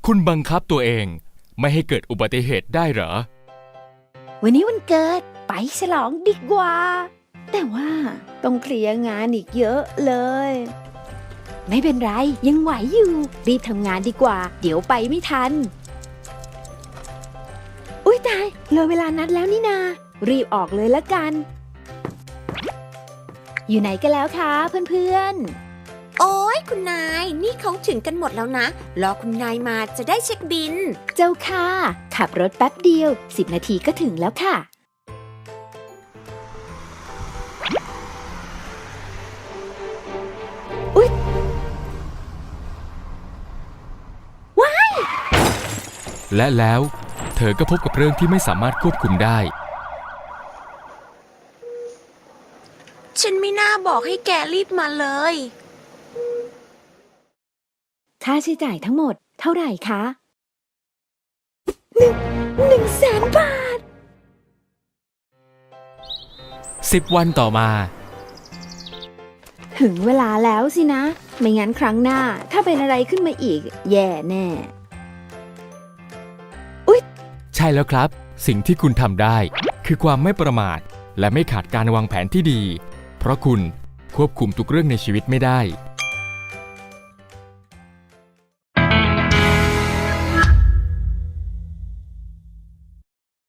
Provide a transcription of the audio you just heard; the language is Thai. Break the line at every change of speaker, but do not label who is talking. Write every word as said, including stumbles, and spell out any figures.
คุณบังคับตัวเองไม่ให้เกิดอุบัติเหตุได้เหรอ
วันนี้วันเกิดไปฉลองดีกว่าแต่ว่าต้องเคลียร์งานอีกเยอะเลยไม่เป็นไรยังไหวอยู่รีบทำงานดีกว่าเดี๋ยวไปไม่ทันอุ๊ยตายเลยเวลานัดแล้วนี่นารีบออกเลยละกันอยู่ไหนกันแล้วคะเพื่อนๆ
โอ้ยคุณนายนี่เขาถึงกันหมดแล้วนะรอคุณนายมาจะได้เช็คบิน
เจ้าค่ะขับรถแป๊บเดียวสิบนาทีก็ถึงแล้วค่ะอุ๊ยว้าย
และแล้วเธอก็พบกับเรื่องที่ไม่สามารถควบคุมได้
ฉันไม่น่าบอกให้แกรีบมาเลย
ค่าใช้จ่ายทั้งหมดเท่าไหร่คะหนึ่งหนึ่งแสนบาท
สิบวันต่อมา
ถึงเวลาแล้วสินะไม่งั้นครั้งหน้าถ้าเป็นอะไรขึ้นมาอีกแย่แน่อุ๊ย
ใช่แล้วครับสิ่งที่คุณทำได้คือความไม่ประมาทและไม่ขาดการวางแผนที่ดีเพราะคุณควบคุมทุกเรื่องในชีวิตไม่ได้